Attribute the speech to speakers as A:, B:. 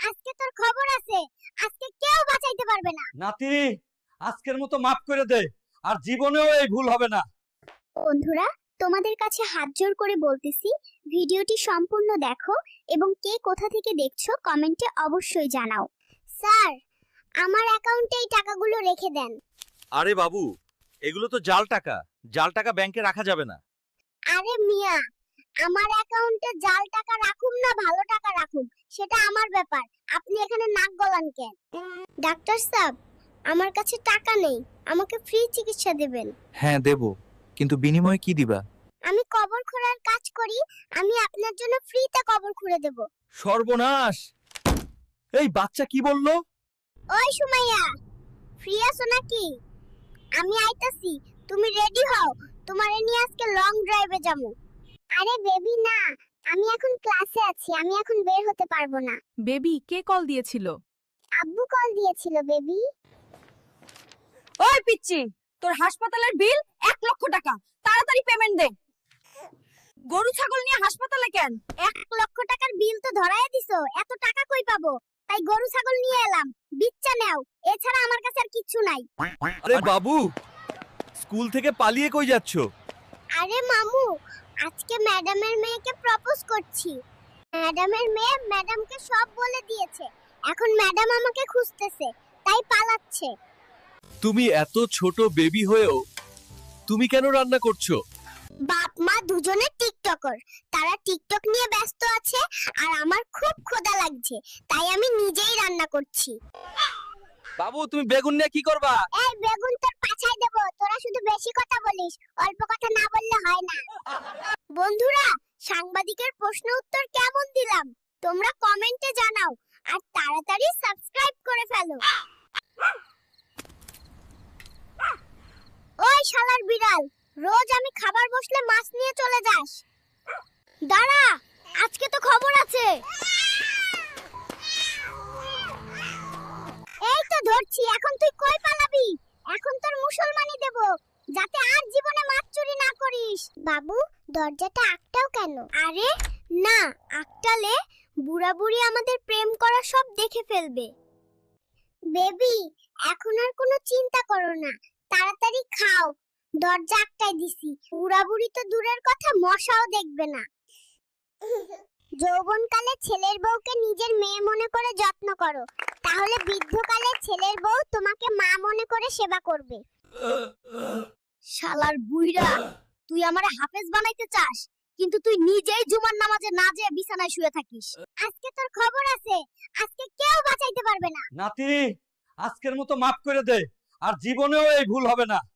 A: আজকে তোর খবর আছে। আজকে কেউ বাঁচাইতে পারবে না।
B: নাতি, আজকের মতো মাফ করে দে, আর জীবনেও এই ভুল হবে না।
A: বন্ধুরা, তোমাদের কাছে হাত জোড় করে বলতেছি, ভিডিওটি সম্পূর্ণ দেখো এবং কে কোথা থেকে দেখছো কমেন্টে অবশ্যই জানাও। স্যার, আমার অ্যাকাউন্টে এই টাকাগুলো রেখে দেন।
B: আরে বাবু, এগুলো তো জাল টাকা। জাল টাকা ব্যাংকে রাখা যাবে না।
A: আরে মিয়া, আমার অ্যাকাউন্টে জাল টাকা রাখুম না ভালো টাকা রাখুম সেটা আমার ব্যাপার। আপনি এখানে নাক গলান কেন? ডাক্তার সাহেব, আমার কাছে টাকা নেই, আমাকে ফ্রি চিকিৎসা দেবেন।
C: হ্যাঁ দেব, কিন্তু বিনিময়ে কি দিবা?
A: আমি কবর খোঁড়ার কাজ করি, আমি আপনার জন্য ফ্রিতে কবর খুঁড়ে দেব।
C: সর্বনাশ! এই বাচ্চা কি বললো?
A: ওই সুমাইয়া, ফ্রি আছো নাকি? আমি আইতাছি, তুমি রেডি হও, তোমারে নিয়ে আজকে লং ড্রাইভে যাবো। আরে বেবি না, আমি এখন ক্লাসে আছি, আমি এখন বের হতে পারবো না।
D: বেবি, কে কল দিয়েছিল?
A: আব্বু কল দিয়েছিল বেবি।
D: ওই পিচ্চি, তোর হাসপাতালের বিল 1 লক্ষ টাকা, তাড়াতাড়ি পেমেন্ট দে। গরু ছাগল নিয়ে হাসপাতালে কেন?
A: 1 লক্ষ টাকার বিল তো ধরায় দিছো, এত টাকা কই পাবো? তাই গরু ছাগল নিয়ে এলাম, বিচ্চা নাও, এছাড়া আমার কাছে আর কিচ্ছু নাই।
C: আরে বাবু, স্কুল থেকে পালিয়ে কই যাচ্ছ?
A: আরে মামু, আজকে ম্যাডামের মেয়েকে প্রপোজ করছি। ম্যাডামের মেয়ে ম্যাডামকে সব বলে দিয়েছে, এখন ম্যাডাম আমাকে খুঁজতেছে, তাই পালাচ্ছে।
C: তুমি এত ছোট বেবি হয়েও তুমি কেন রান্না করছো?
A: বাপ মা দুজনে টিকটকার, তারা টিকটক নিয়ে ব্যস্ত আছে, আর আমার খুব ক্ষুধা লাগছে, তাই আমি নিজেই রান্না করছি।
C: বাবু, তুমি বেগুন নিয়ে কি করবা?
A: এই বেগুন তোর পাছায় দেব, তোরা শুধু বেশি কথা বলিস, অল্প কথা না বললে হয় না। বন্ধুরা, সাংবাদিকের প্রশ্ন উত্তর কেমন দিলাম তোমরা কমেন্টে জানাও, আর তাড়াতাড়ি সাবস্ক্রাইব করে ফেলো। ওই শালার বিড়াল, রোজ আমি খাবার বসলে মাছ নিয়ে চলে যাস। দাঁড়া, আজকে তো খবর আছে। এই তো ধরছি, এখন তুই কই পালাবি? এখন তোর মুসলমানি দেব, যাতে আর জীবনে মাছ চুরি না করিস। বাবু, দরজাটা আটকাও কেন? আরে না, আটকালে বুড়া বুড়ি আমাদের প্রেম করা সব দেখে ফেলবে। বেবি, এখন আর কোনো চিন্তা করো না, তাড়াতাড়ি খাও, দরজা আটকাই দিছি। বুড়া বুড়ি তো দূরের কথা, মশাও দেখবে না। যৌবনকালে ছেলের বউকে নিজের মেয়ে মনে করে যত্ন করো, তাহলে বৃদ্ধকালে ছেলের বউ তোমাকে মা মনে করে সেবা করবে।
D: শালার বুইড়া, তুই আমারে হাফেজ বানাইতে চাস, কিন্তু তুই নিজেই জুমার নামাজে না যেয়ে বিছানায় শুয়ে থাকিস।
A: আজকে তোর খবর আছে, আজকে কেউ বাঁচাইতে পারবে না।
B: নাতি, আজকের মতো মাফ করে দে, আর জীবনেও এই ভুল হবে না।